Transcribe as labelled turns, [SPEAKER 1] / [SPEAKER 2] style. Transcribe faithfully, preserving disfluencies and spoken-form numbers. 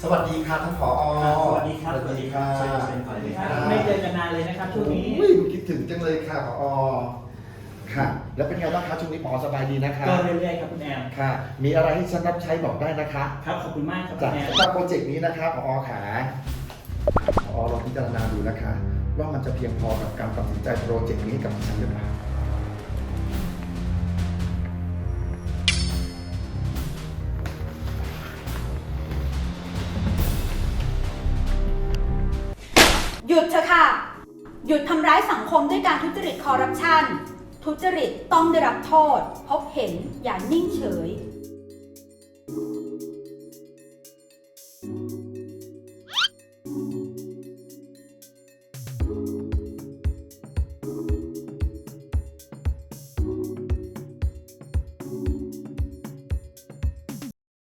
[SPEAKER 1] วัสดีค่ะท่านผอ.
[SPEAKER 2] สวัสดีครับ
[SPEAKER 1] สวัสดีค่ะ
[SPEAKER 2] เชิญเชิญก่อนเลยครับไม่เจอกันนานเลยนะครับช่วงนี้
[SPEAKER 1] อุ้ยคิดถึงจังเลยค่ะผอ.ค่ะ แล้วเป็นไงบ้างคะช่วงนี้ผอ.สบายดีนะคะ
[SPEAKER 2] ก็เรื่อยๆครับคุณแอม
[SPEAKER 1] ค่ะ มีอะไรให้ฉันรับใช้บอกได้นะคะ
[SPEAKER 2] ครับขอบคุณมากครับคุ
[SPEAKER 1] จาก
[SPEAKER 2] ณแอม
[SPEAKER 1] สำหรับโปรเจกต์นี้นะคะผอ.ขาผอ.ลองพิจารณาดูนะคะ ว่ามันจะเพียงพอกับการตัดสินใจโปรเจกต์นี้กับฉันหรือเปล่า
[SPEAKER 3] หยุดเถอะค่ะ หยุดทำร้ายสังคมด้วยการทุจริตคอร์รัปชัน ทุจริตต้องได้รับโทษ พบเห็นอย่านิ่งเฉย